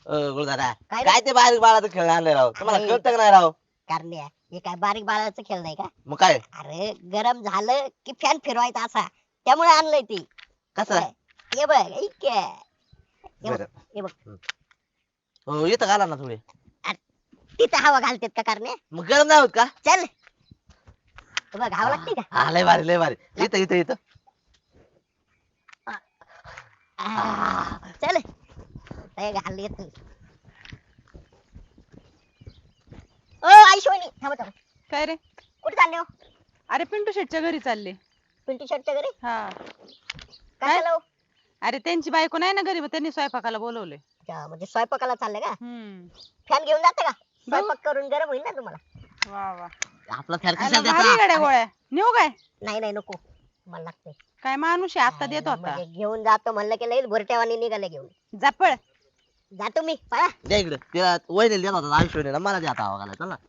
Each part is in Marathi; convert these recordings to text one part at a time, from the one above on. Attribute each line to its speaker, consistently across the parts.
Speaker 1: गुरुदादा
Speaker 2: काय रे?
Speaker 1: काय ते बारीक बाळाचं खेळ आणले राव तुम्हाला
Speaker 2: अरे.
Speaker 1: कळतं का नाही राव
Speaker 2: कारण्या हे काय बारीक बाळाचा खेळ नाही का?
Speaker 1: मग काय
Speaker 2: अरे गरम झालं की फॅन फिरवायचा असा त्यामुळे आणलंय ते.
Speaker 1: कसं
Speaker 2: हे बघ ऐक हे बघ
Speaker 1: बरं.
Speaker 2: हे बघ
Speaker 1: हो इथं घाला ना थोडे
Speaker 2: तिथं हवा घालतेत का कारण्या?
Speaker 1: मग गरम नाही होत का
Speaker 2: चल हे बघ हवा लागते का?
Speaker 1: हा लय भारी इथं इथं इथं
Speaker 2: चल हे घाल येत ओ आईशोनी थांबा थांबा
Speaker 3: काय रे?
Speaker 2: कुठे चालले हो?
Speaker 3: अरे पिंटू शेटच्या घरी चालले.
Speaker 2: पिंटू शर्टच्या घरी
Speaker 3: हा.
Speaker 2: कशाला हो?
Speaker 3: अरे त्यांची बायको नाही ना घरी, मग त्यांनी स्वयंपाकाला बोलवले.
Speaker 2: अच्छा, म्हणजे स्वयंपाकाला चालले का?
Speaker 3: हम्म.
Speaker 2: फॅन घेऊन जाते का? स्वयंपाक करून गरम होईल ना तुम्हाला.
Speaker 3: वा वा.
Speaker 1: आपला फॅन
Speaker 3: अरे
Speaker 1: कशाला
Speaker 3: भारी
Speaker 1: देता
Speaker 3: गड्या गोळ्या. नेऊ काय?
Speaker 2: नाही नाही नको मला लागते.
Speaker 3: काय माणूस आहे, आता देत होता.
Speaker 2: म्हणजे घेऊन जातो म्हणलं की लई भुरट्यावानी निघाले घेऊन.
Speaker 3: जापळ.
Speaker 2: जातो मी पळा.
Speaker 1: द्या इकडे तिला वहिनी देत होता आयुष्य मला द्या हवा घाला चल ना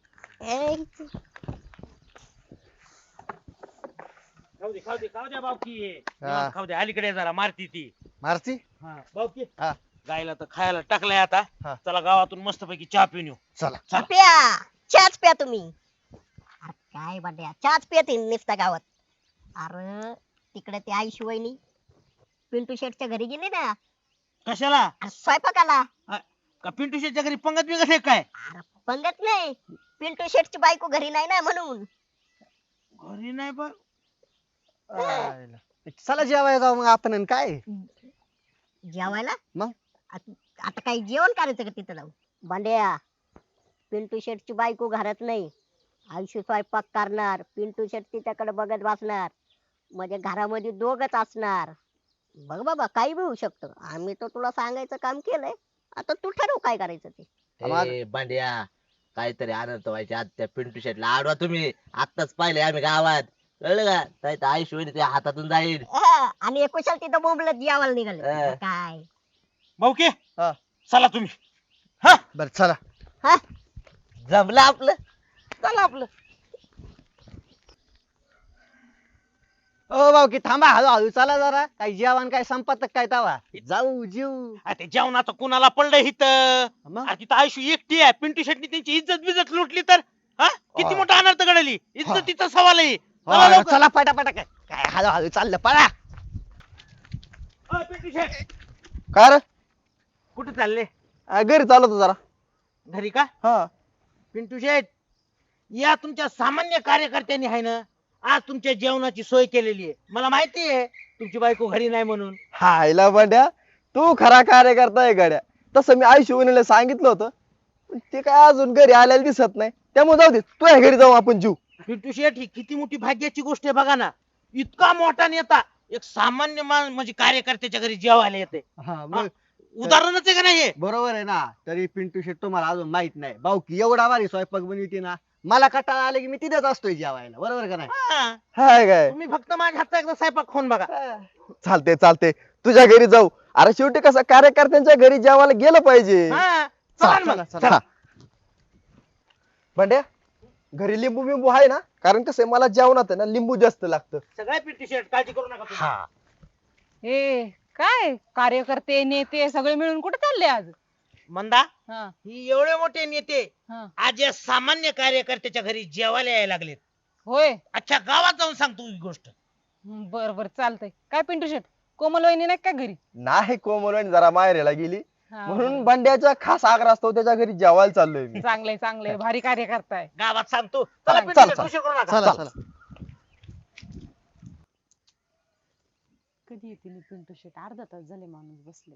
Speaker 4: खाऊ द्या बावकी
Speaker 5: हा.
Speaker 4: खाऊ द्या अलीकडे जरा मारती ती
Speaker 5: मारती
Speaker 4: बावकी
Speaker 5: हा.
Speaker 4: गायला तर खायला टाकलाय आता
Speaker 5: हा.
Speaker 4: चला गावातून मस्तपैकी चहा पिऊन येऊ
Speaker 5: चला
Speaker 2: प्या चहाच प्या तुम्ही. अरे काय बाड्या चहाच पियत निसता गावात. अरे तिकडे ते आई शिवायनी पिंटू शेटच्या घरी गेली ना
Speaker 4: कशाला
Speaker 2: स्वयंपाकाला.
Speaker 4: का पिंटू शेटच्या घरी पंगत बिगत आहे काय
Speaker 2: अरे पंगत नाही पिंटू शेटची बायको घरी नाही ना म्हणून.
Speaker 4: घरी नाही बा
Speaker 5: आयला. चला जेवायला जाऊ मग आपण आणि काय
Speaker 2: जेवायला
Speaker 5: मग?
Speaker 2: आता काही जेवण करायचं का तिथं जाऊन? बांड्या पिंटू शेटची बायको घरात नाही. आयुष्य स्वयंपाक करणार पिंटू शेट तिच्याकडे बघत बसणार म्हणजे घरामध्ये दोघच असणार. बघ बाबा काही बी होऊ शकतं. आम्ही तर तुला सांगायचं काम केलंय. आता तू ठरव काय करायचं ते.
Speaker 1: ए बांड्या काहीतरी आनंद व्हायचे आज त्या पिंटू शेटला आडवा तुम्ही आत्ताच पाहिले आम्ही गावात कळलं का नाही तर आयुष्य वहिनी तुझ्या हातातून जाईल
Speaker 2: आणि कुशल तिथं बोंबलत जेवायला निघाले
Speaker 1: हा.
Speaker 2: काय.
Speaker 4: भाऊकी
Speaker 5: हा.
Speaker 4: चला तुम्ही
Speaker 5: बर चला
Speaker 2: हा
Speaker 1: जमलं आपलं चला आपलं
Speaker 5: ओ भाऊ की थांबा हळू चला जरा काही जेवण काय संपत काय तवा जाऊ जीव
Speaker 4: ते जेवणाचं कुणाला पडलं इथं
Speaker 5: मग?
Speaker 4: अरे तिथं आयुष्य एकटी आहे पिंटू शेटनी त्यांची इज्जत बिजत लुटली तर हा किती मोठा अनर्थ घडली इज्जतीचा सवाल आहे चला
Speaker 5: हो,
Speaker 4: लवकर.
Speaker 5: चला पटापटा काय काय हळू चाललं पळा
Speaker 4: अ, पिंटू शेट
Speaker 5: काय रे
Speaker 4: कुठे चालले
Speaker 5: घरी चालवतो जरा
Speaker 4: घरी का
Speaker 5: हा
Speaker 4: पिंटू शेट या तुमच्या सामान्य कार्यकर्त्यांनी आहे ना आज तुमच्या जेवणाची सोय केलेली आहे मला माहिती आहे तुमची बायको घरी नाही म्हणून
Speaker 5: हायला बंड्या तू खरा कार्यकर्ता आहे गड्या तसं मी आई शिवणीला सांगितलं होतं पण ते काय अजून घरी आलेलं दिसत नाही त्यामुळे जाऊ दे तुझ्या घरी जाऊ आपण जीव
Speaker 4: पिंटू शेट ही किती मोठी भाग्याची गोष्ट आहे बघा ना इतका मोठा नेता एक सामान्य म्हणजे कार्यकर्त्याच्या घरी जेवायला येते
Speaker 5: हा
Speaker 4: उदाहरणच आहे का नाही हे?
Speaker 5: बरोबर आहे ना तरी पिंटू शेट तुम्हाला अजून माहित नाही भाऊ की एवढा भारी स्वयंपाक बनवते ना मला कटाळा आले की मी तिथेच असतोय जेवायला बरोबर का नाही
Speaker 4: हा.
Speaker 5: हाय काय
Speaker 4: तुम्ही फक्त माझ्या हातचा एकदा स्वयंपाक खाऊन बघा
Speaker 5: चालते चालते तुझ्या घरी जाऊ अरे शेवटी कसं कार्यकर्त्यांच्या घरी जेवायला गेलं पाहिजे
Speaker 4: हा. चला ना मग.
Speaker 5: चला बंड्या घरी लिंबू बिंबू आहे ना कारण कसं आहे, मला जेवणात आहे ना लिंबू जास्त लागतं
Speaker 4: सगळ्या पिंटू शेट काळजी करू नका तुम्ही.
Speaker 3: ए काय कार्यकर्ते नेते सगळे मिळून कुठे चालले आज?
Speaker 4: मंदा
Speaker 3: हा.
Speaker 4: ही एवढे मोठे नेते
Speaker 3: हा.
Speaker 4: आज या सामान्य कार्यकर्त्याच्या घरी जेवायला यायला लागलेत
Speaker 3: होय.
Speaker 4: अच्छा गावात जाऊन सांगतो ही गोष्ट
Speaker 3: बर बर चालतंय. काय पिंटू शेट कोमल वहिनी नाही का घरी?
Speaker 5: नाही कोमल जरा माहेरला गेली
Speaker 3: हा,
Speaker 5: म्हणून
Speaker 3: बरं.
Speaker 5: बंड्याचा खास आग्रह असतो त्याच्या घरी जेवायला चाललोय मी
Speaker 3: चांगलंय चांगलंय भारी कार्यकर्ता आहे.
Speaker 4: गावात सांगतो चला
Speaker 5: चला,
Speaker 4: पिंटू शेट,
Speaker 5: चला.
Speaker 4: उशीर करू नका
Speaker 5: चला चला
Speaker 3: कधी येतील पिंटू शेट? अर्धा तास झाले माणूस बसले.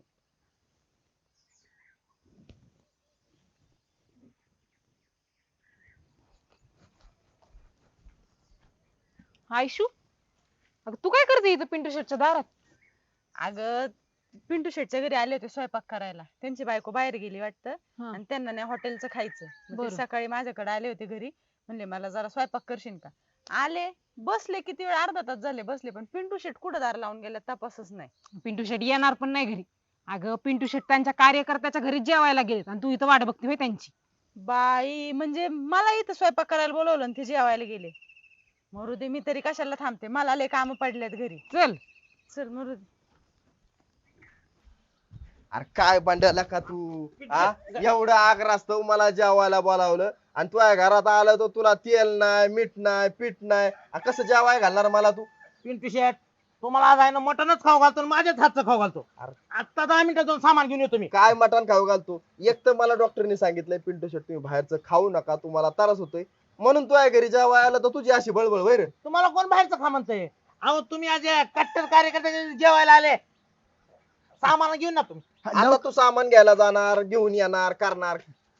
Speaker 3: आयशू अगं तू काय करते इथं पिंटू शेटच्या दारात? अगं पिंटू शेटच्या घरी आले होते स्वयंपाक करायला. त्यांची बायको बाहेर गेली वाटतं आणि त्यांना नाही हॉटेलचं खायचं. मग ते सकाळी माझ्याकडे आले होते घरी म्हणले मला जरा स्वयंपाक करशील का? आले बसले किती वेळ अर्धा तास झाले बसले पण पिंटू शेट कुठं दार लावून गेले तपासच नाही. पिंटू शेट येणार पण नाही घरी. अगं पिंटू शेट त्यांच्या कार्यकर्त्याच्या घरी जेवायला गेलेत आणि तू इथं वाट बघते होय त्यांची? बाई म्हणजे मला इथं स्वयंपाक करायला बोलवलं आणि ते जेवायला गेले. मरू दे मी तरी कशाला थांबते मला लय काम पडलेत घरी. चल चल मरू दे.
Speaker 5: अरे काय भांड्याला का तू हा एवढं आग्रास्तव मला जेवायला बोलावलं आणि तुझ्या घरात आलं तर तुला तेल नाही मीठ नाही पीठ नाही कसं जेवाय घालणार मला तू?
Speaker 4: पिंटू शेट तुम्हाला आज आहे ना मटनच खाऊ घालतो आणि माझ्याच हातचं खाऊ घालतो. आता 10 मिनिटात जाऊन सामान घेऊन येतो मी.
Speaker 5: काय मटण खाऊ घालतो? एक तर मला डॉक्टरने सांगितलंय पिंटू शेट तुम्ही बाहेरचं खाऊ नका तुम्हाला त्रास होतोय म्हणून तुझ्या घरी जेवाय आलं तर तुझी अशी बळबळ वैर.
Speaker 4: तुम्हाला कोण बाहेरचं खा म्हणतंय? अहो तुम्ही आज या कट्टर कार्यकर्ते जेवायला आले, सामान घेऊन ना तुम्ही.
Speaker 5: आता तू सामान घ्यायला जाणार घेऊन येणार करणार.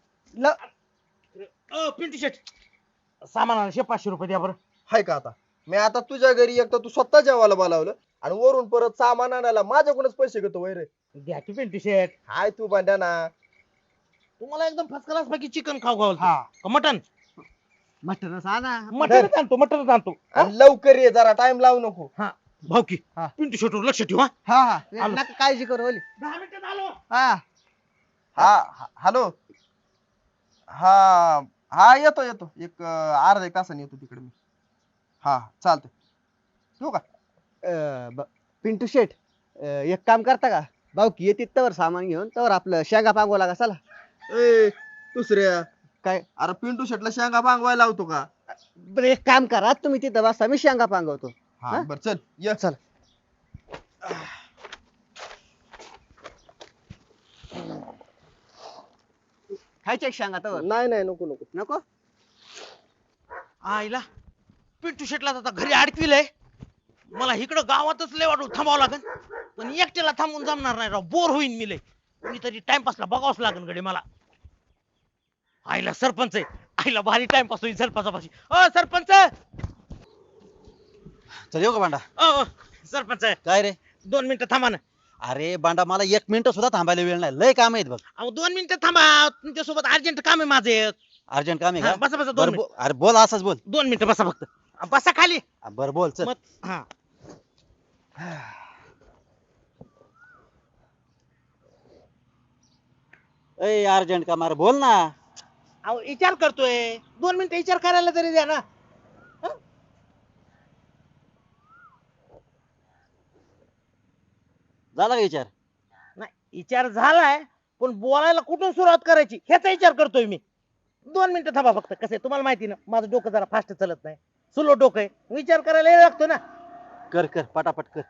Speaker 4: पिंटू शेट सामानाला 500 रुपये द्या बरं.
Speaker 5: हाय का आता मी आता तुझ्या घरी एक तर तू स्वतः जेवायला बोलावलं आणि वरून परत सामान आणायला माझ्याकडूनच पैसे घेतो वैर.
Speaker 4: द्या की पिंटू शेट.
Speaker 5: हाय तू भांड्या ना.
Speaker 4: तुम्हाला एकदम फर्स्ट क्लास पैकी चिकन खाऊ घालतो का मटन?
Speaker 6: मटणच आणा.
Speaker 4: मटनच आणतो मटनच आणतो.
Speaker 5: आणि लवकर ये जरा टाइम लावू नको.
Speaker 4: हा भाऊकी
Speaker 6: हा.
Speaker 4: पिंटू शेटवर लक्ष ठेवा.
Speaker 6: हा हा
Speaker 4: आलो.
Speaker 6: नका काळजी करू ओली.
Speaker 4: 10 मिनिटात आलो.
Speaker 6: हा
Speaker 5: हा हॅलो. हा हा येतो येतो एक अर्धा एक तासाने येतो तिकडे मी. हा चालतंय ठेवू का?
Speaker 6: पिंटू शेट एक काम करता का भाऊकी येते तवर सामान घेऊन तवर आपलं शेंगा पांगवला लागा चला.
Speaker 5: ए दुसऱ्या
Speaker 6: काय
Speaker 5: अरे पिंटू शेटला शेंगा बांगवायला लावतो का?
Speaker 6: बरं एक काम करा तुम्ही तिथं बसा मी शेंगा पांगवतो.
Speaker 5: हा बर चल ये.
Speaker 6: चल खायचे शेंगा तवर
Speaker 5: नाही नाही नको नको.
Speaker 6: नको.
Speaker 4: आईला पिंटू शेटला आता घरी अडकविलंय. मला इकडं गावातच लय वाटून थांबावं लागेल पण एकट्याला थांबून जमणार नाही राव. बोर होईन मी लय. मी तरी टाइमपासला बघावंच लागेल गडे मला. आईला सरपंच आहे. आईला भारी टाइमपास होईल सरपंचापाशी. सरपंच
Speaker 7: चल येऊ का बांडा?
Speaker 4: सरपंच
Speaker 7: काय रे?
Speaker 4: 2 मिनिटं थांबा ना.
Speaker 7: अरे बांडा मला 1 मिनिट सुद्धा थांबायला वेळ नाही, लय काम आहेत बघ.
Speaker 4: अहो 2 मिनिटं थांबा. तुमच्यासोबत अर्जंट काम आहे माझे.
Speaker 7: अर्जंट काम आहे का?
Speaker 4: बसा बसा 2
Speaker 7: बरं,
Speaker 4: मिनिट.
Speaker 7: अरे बोल असंच बोल.
Speaker 4: 2 मिनिटं बसा फक्त. बसा खाली.
Speaker 7: बर बोल चल.
Speaker 4: मग हा
Speaker 7: ए अर्जंट काम, अरे बोल ना.
Speaker 4: अहो विचार करतोय. 2 मिनिटं विचार करायला तरी द्या ना.
Speaker 7: झाला का विचार?
Speaker 4: नाही विचार झालाय पण बोलायला कुठून सुरुवात करायची ह्याचा विचार करतोय मी. 2 मिनिटं थांबा फक्त. कसं आहे तुम्हाला माहिती ना माझं डोकं जरा फास्ट चालत नाही. स्लो डोकं आहे. विचार करायला वेळ लागतो ना.
Speaker 7: कर कर पटापट कर.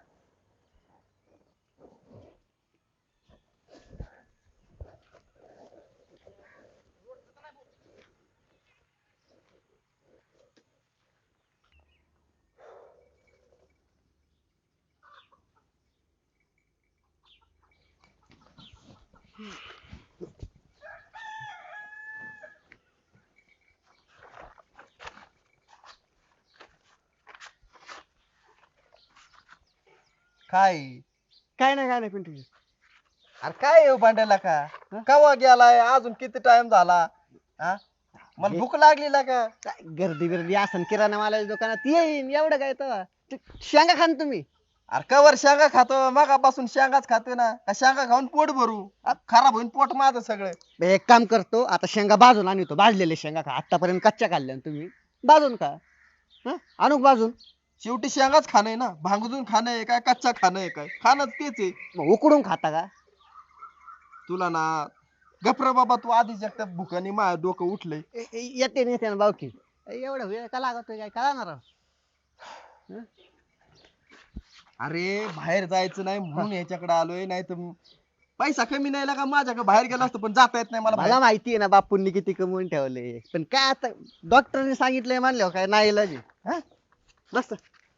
Speaker 5: काय
Speaker 6: काय नाही पिंटू शेट.
Speaker 5: अरे काय येऊ भांड्याला का कवा गेलाय अजून किती टाइम झाला? हा मला भूक लागली ना का?
Speaker 6: काय गर्दी गर्दी असन किराणा मालाच्या दुकानात येईन एवढं काय तेव्हा. शेंगा खान तुम्ही.
Speaker 5: अरे कवर शेंगा खातो मगापासून शेंगाच खातोय ना का शेंगा खाऊन पोट भरू खराब होईन पोट माझं सगळं.
Speaker 6: बरं, एक काम करतो आता शेंगा भाजून आणतो. भाजलेले शेंगा खा. आतापर्यंत कच्च्या खाल्ल्या ना तुम्ही. भाजून खा. आणू का भाजून?
Speaker 5: शेवटी शेंगाच खाणं ना भांगजून खाणं आहे काय कच्चा खाणं आहे काय? खाणं तेच आहे.
Speaker 6: मग उकडून खाता का?
Speaker 5: तुला ना गप्र बाबा तू आधीच एकट्या भुकाने माझं डोकं उठलंय.
Speaker 6: येते नेते ना बावकी. एवढा वेळ का लागतोय काय कळणार?
Speaker 5: अरे बाहेर जायचं नाही म्हणून याच्याकडे आलोय नाही तर पैसा कमी नाही का माझ्याकडे बाहेर गेला असतो पण जाता येत नाही मला
Speaker 6: मला
Speaker 5: बाहेर.
Speaker 6: माहिती आहे ना बापूंनी किती कमवून ठेवले पण काय आता डॉक्टरने सांगितलंय मानल्यावर काय नाही इलाज आहे. बस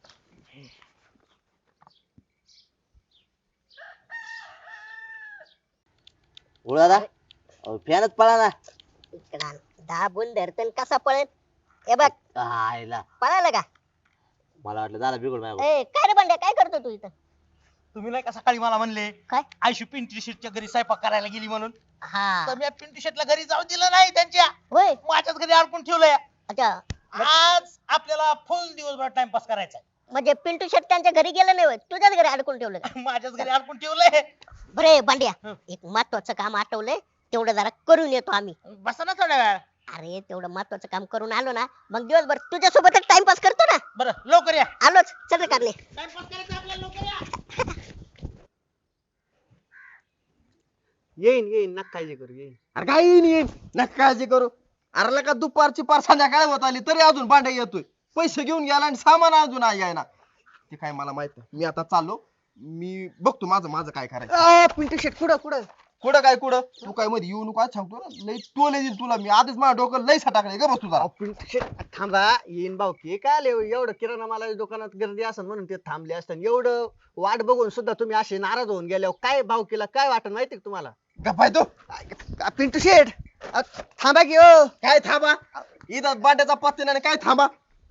Speaker 1: दादा फॅनच पळा ना.
Speaker 2: दाबून धरतन कसा पळेल हे बघ.
Speaker 1: आयला
Speaker 2: पळायला का?
Speaker 1: मला वाटलं झाला बिघड माझ्या.
Speaker 2: ए काय रे बंड्या काय करतो तू इथं?
Speaker 4: तुम्ही नाही का सकाळी मला म्हणले
Speaker 2: काय?
Speaker 4: आयशू पिंटू शेटच्या घरी स्वयंपाक करायला गेली म्हणून.
Speaker 2: हा
Speaker 4: तर मी पिंटू शेटला घरी जाऊ दिलं नाही. त्यांच्या
Speaker 2: होय.
Speaker 4: माझ्याच घरी अडकून ठेवलंय.
Speaker 2: अच्छा
Speaker 4: आज आपल्याला फुल दिवसभर टाइमपास करायचा
Speaker 2: म्हणजे पिंटू शेट त्यांच्या घरी गेलं नाही होय, तुझ्याच घरी अडकून ठेवलं का?
Speaker 4: आहे. माझ्याच घरी अडकून ठेवलंय.
Speaker 2: बरे बंड्या एक महत्वाचं काम आठवलंय तेवढं जरा करून येतो आम्ही.
Speaker 4: बसा ना थोड्या वेळ.
Speaker 2: अरे तेवढं महत्वाचं काम करून आलो ना मग दिवसभर तुझ्या सोबतच टाइमपास करतो ना.
Speaker 4: बरं लवकर या.
Speaker 2: आलोच चल रे कारले.
Speaker 4: टाइमपास करायचा आपल्याला लवकर या.
Speaker 6: येईन येईन नका काळजी करू येईन.
Speaker 5: अरे काय येईन नका काळजी करू. अरे का दुपारची पार संध्याकाळी होत आली तरी अजून भांडे येतोय. पैसे घेऊन गेला आणि सामान अजून यायना. ते काय मला माहित नाही. मी आता चाललो. मी बघतो माझं माझं काय करायचं.
Speaker 6: पिंटू शेट कुठं कुठं
Speaker 5: कुठं काय कुठं तू काय मध्ये येऊ नको आज सांगतो ना. लई टोले देईल तुला मी आधीच माझ्या डोकं लई सटाकले ग बस तुझा.
Speaker 6: पिंटू शेट थांबा येईन भाऊकी काय आले एवढं किराणा माला दुकानात गर्दी असेल म्हणून ते थांबले असतात. एवढं वाट बघून सुद्धा तुम्ही असे नाराज होऊन गेल्यावर काय भाऊकीला काय वाटण माहिती का तुम्हाला?
Speaker 5: गप्पाय तो
Speaker 6: पिंटू शेट थांबा की ओ.
Speaker 5: काय थांबा इथं बांड्याचा पत्ते नाही काय थांबा.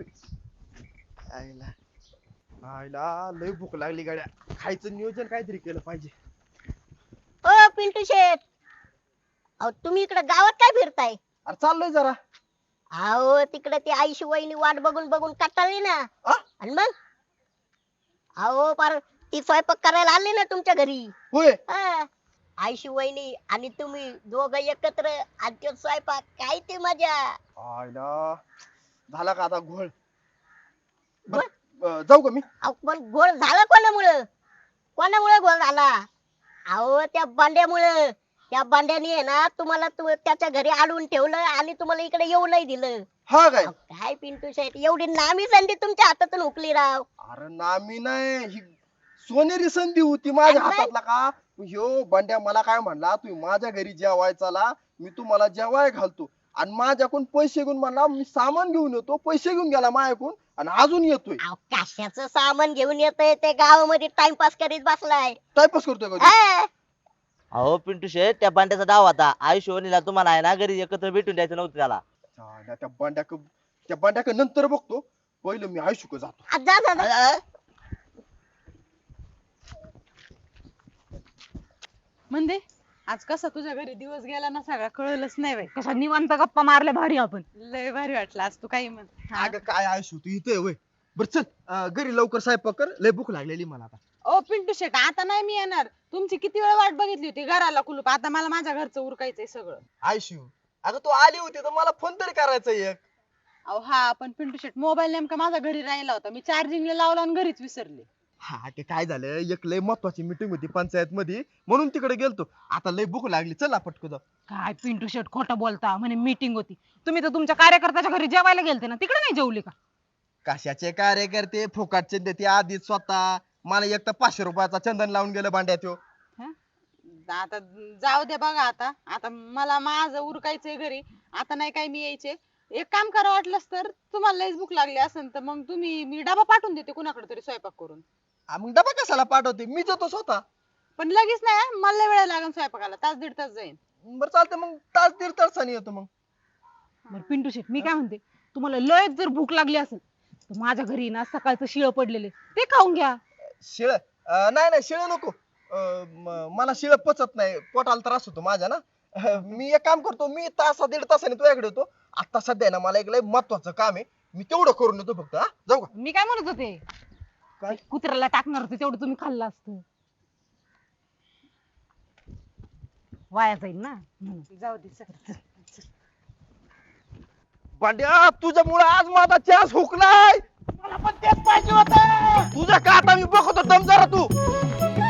Speaker 5: आईला आईला लई भूक लागली गाड्या. खायचं नियोजन काहीतरी केलं पाहिजे.
Speaker 2: ओ पिंटू शेठ, अहो तुम्ही इकडे गावात काय फिरताय?
Speaker 5: अरे चाललोय जरा.
Speaker 2: अहो तिकडे ती आईशी वहिनी वाट बघून बघून कंटाळली ना.
Speaker 5: आ?
Speaker 2: आणि मग अहो पार ती स्वयंपाक करायला आली ना तुमच्या घरी.
Speaker 5: होय
Speaker 2: हा. आईशी वहिनी आणि तुम्ही दोघं एकत्र आणि तो स्वयंपाक काय ती मजा.
Speaker 5: आईला झाला का आता घोळ. जाऊ का मी.
Speaker 2: अहो पण गोळ झाला कोणामुळं? कोणामुळे गोळ झाला? अहो त्या बांड्यामुळं. त्या बांड्याने आहे ना तुम्हाला त्याच्या घरी अडवून ठेवलं आणि तुम्हाला इकडे येऊ नाही दिलं.
Speaker 5: हा काय
Speaker 2: अहो, काय पिंटू शेठ एवढी नामी संधी तुमच्या हातातून हुकली राव.
Speaker 5: अरे नामी नाही ही सोनेरी संधी होती माझ्या
Speaker 2: आणि
Speaker 5: हातातला का. ह्यो बंड्या मला काय म्हणला तुम्ही माझ्या घरी जेवाय चला मी तुम्हाला जेवाय घालतो. आणि माझ्याकडून पैसे घेऊन म्हणला मी सामान घेऊन येतो. पैसे घेऊन गेला माझ्याकडून आणि अजून येतोय.
Speaker 2: अहो कशाचं सामान घेऊन येतोय ते गावामध्ये टाइमपास करीत बसलाय.
Speaker 5: टाइमपास करतोय का तू?
Speaker 2: हा.
Speaker 1: अहो पिंटू शेठ त्या बांड्याचा डाव होता. आयुष्य वहिनीला तुम्हाला आहे ना घरी एकत्र भेटून द्यायचं नव्हतं त्याला.
Speaker 5: चाल्या, त्या बंड्याक नंतर बघतो. पहिलं मी आयुष्य जातो.
Speaker 2: आ, जा जा, जा.
Speaker 3: म्हणजे आज कसा तुझ्या घरी दिवस गेला ना सगळा कळलंच नाही बाई. कशा निवांत गप्पा मारल्या भारी आपण. लय भारी वाटलं आज तू काही म्हण. हा.
Speaker 5: अगं काय आयुष्य तू इथे होय. बरं चल घरी लवकर स्वयंपाक कर. लय भूक लागलेली मला आता.
Speaker 3: ओ पिंटू शेट आता नाही मी येणार. तुमची किती वेळ वाट बघितली होती घराला कुलूप. आता मला माझ्या घरचं उरकायचंय सगळं.
Speaker 5: आयुष्य अगं तू आली होती तर मला फोन तरी करायचा एक.
Speaker 3: अहो हा पण पिंटू शेट मोबाईल नेमका माझा घरी राहिला होता. मी चार्जिंगला लावला आणि घरीच विसरले.
Speaker 5: हा ते काय झालं एक लय महत्वाची मीटिंग होती पंचायत मध्ये म्हणून तिकडे गेलतो. आता लय भूक लागली चला पटकन जाऊ.
Speaker 3: काय पिंटू शेट खोटं बोलता. म्हणे मीटिंग होती. तुम्ही तर तुमच्या कार्यकर्त्याच्या घरी जेवायला गेलते ना तिकडे नाही जेवले का?
Speaker 5: कशाचे कार्यकर्ते फुकाटचे देते आधीच स्वतः. मला एक तर 500 रुपयाचा चंदन लावून गेलं भांड्यात ह्यो.
Speaker 3: आता जाऊ दे बघा. आता आता मला माझं उरकायचंय घरी. आता नाही काय मी यायचे. एक काम करा वाटलंच तर तुम्हाला लयच भूक लागली असेल तर मग तुम्ही मी डबा पाठवून देते कुणाकडे तरी स्वयंपाक करून.
Speaker 5: मग डबा कशाला पाठवते मी जातो स्वतः.
Speaker 3: पण लगेच नाही हं. मला लय वेळ लागेल स्वयंपाकाला. तास दीड तास जाईल.
Speaker 5: बरं चालतंय मग तास दीड तासाने येतो मग.
Speaker 3: बरं पिंटू शेट मी काय म्हणते तुम्हाला लयच जर भूक लागली असेल तर माझ्या घरी ना सकाळचं शिळ पडलेले ते खाऊन घ्या.
Speaker 5: शिळ नाही शिळ नको. मला शिळ पचत नाही. पोटाला त्रास होतो माझ्या ना. मी एक काम करतो मी तासा दीड तासाने तुझ्याकडे येतो. आता सध्या ना मला एक लय महत्वाचं काम आहे. मी तेवढं करून येतो फक्त. हा जाऊ का.
Speaker 3: मी काय म्हणत होते
Speaker 5: काय?
Speaker 3: कुत्र्याला टाकणार होते तेवढं तुम्ही खाल्लं असतं. वाया जाईल ना म्हणून. जाऊ दे चल.
Speaker 5: भांड्या तुझ्यामुळे आज माझा चान्स हुकलाय. मला पण तेच पाहिजे होतं. तुझं का आता मी बघतो दम जरा तू.